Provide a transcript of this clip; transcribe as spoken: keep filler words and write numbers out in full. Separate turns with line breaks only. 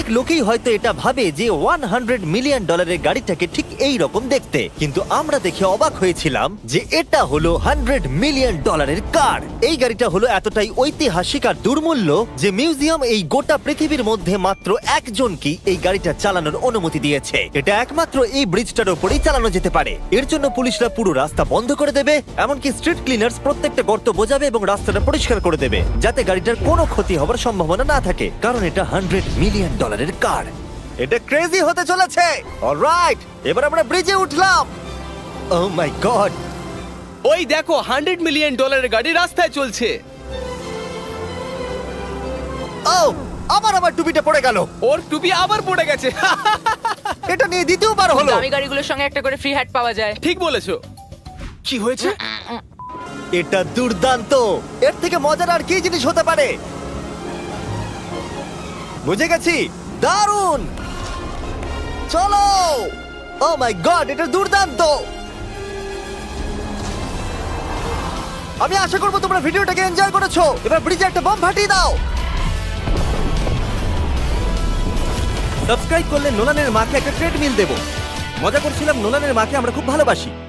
লোকেই হয়তো এটা ভাবে যে হান্ড্রেড মিলিয়ন ডলারের গাড়িটাকে ঠিক এই রকম দেখতে, কিন্তু আমরা দেখে অবাক হয়েছিলাম যে এটা হলো হান্ড্রেড মিলিয়ন ডলারের কার। এই গাড়িটা হলো এতটাই ঐতিহাসিক আর দুর্মূল্য যে মিউজিয়াম এই গোটা পৃথিবীর মধ্যে মাত্র একজনকেই এই গাড়িটা চালানোর অনুমতি দিয়েছে। এটা একমাত্র এই ব্রিজটার উপরেই চালানো যেতে পারে। এর জন্য পুলিশরা পুরো রাস্তা বন্ধ করে দেবে, এমনকি স্ট্রিট ক্লিনার্স প্রত্যেকটা গর্ত বোঝাবে এবং রাস্তাটা পরিষ্কার করে দেবে যাতে গাড়িটার কোনো ক্ষতি হওয়ার সম্ভাবনা না থাকে, কারণ এটা হান্ড্রেড মিলিয়ন ডলারের কার। এটা ক্রেজি হতে চলেছে। অলরাইট, এবার আমরা ব্রিজে উঠলাম। ও মাই গড,
ওই দেখো হান্ড্রেড মিলিয়ন ডলারের গাড়ি রাস্তায় চলছে।
ও আবার আমার টুপিটা পড়ে গেল।
ওর টুপি আবার পড়ে গেছে।
এটা নিয়ে দ্বিতীয়বার হলো।
দামি গাড়িগুলোর সঙ্গে একটা করে ফ্রি হ্যাট পাওয়া যায়।
ঠিক বলেছো। কি হয়েছে?
এটা দুর্দান্ত। এর থেকে মজার আর কি জিনিস হতে পারে? বুঝে গেছি, দারুণ। চলো। ও মাই গড, এটা দুর্দান্ত। আমি আশা করবো তোমরা ভিডিওটাকে এনজয় করেছো। এবার ব্রিজে একটা বম ফাটিয়ে দাও। সাবস্ক্রাইব করলে নোলানের মাকে একটা ট্রেডমিল দেবো। মজা করছিলাম, নোলানের মাকে আমরা খুব ভালোবাসি।